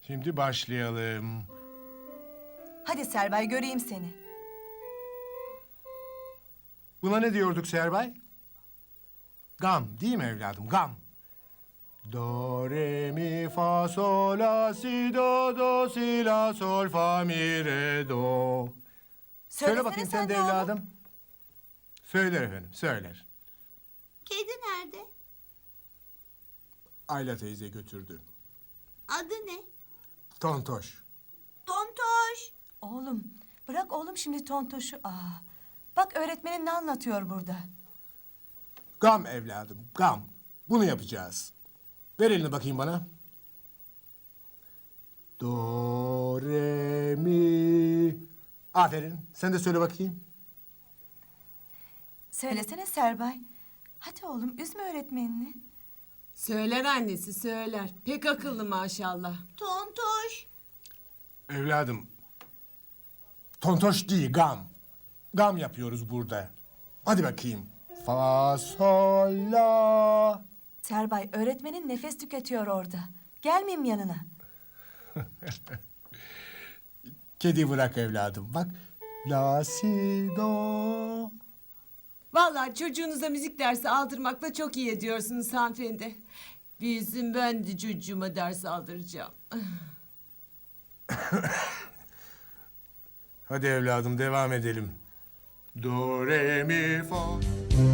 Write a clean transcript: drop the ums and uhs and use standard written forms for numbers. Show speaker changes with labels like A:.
A: Şimdi başlayalım.
B: Hadi Serbay göreyim seni.
A: Buna ne diyorduk Serbay? Gam değil mi evladım? Gam. Do, re, mi, fa, sol, la, si, do, si, la, sol, fa, mi, re, do. Söyle bakayım sen de
B: ne oğlum?
A: evladım. Söyler efendim, söyler.
C: Kedi nerede?
A: Ayla teyze götürdü.
C: Adı ne?
A: Tontoş.
C: Tontoş.
B: Oğlum bırak oğlum şimdi tontoşu. Bak öğretmenin ne anlatıyor burada.
A: Gam evladım, gam. Bunu yapacağız. Ver elini bakayım bana. Do, re, mi. Aferin. Sen de söyle bakayım.
B: Söylesene Serbay. Hadi oğlum üzme öğretmenini.
D: Söyler annesi söyler. Pek akıllı maşallah.
C: Tontoş.
A: Evladım. Tontoş değil, gam. Gam yapıyoruz burada. Hadi bakayım. Fa, sol, la.
B: Serbay öğretmenin nefes tüketiyor orada. Gelmeyeyim yanına.
A: Kedi bırak evladım. Bak. La, si, do.
D: Vallahi çocuğunuza müzik dersi aldırmakla çok iyi ediyorsunuz hanımefendi. Bizim ben de çocuğuma ders aldıracağım.
A: Hadi evladım devam edelim. Do, re, mi, fa.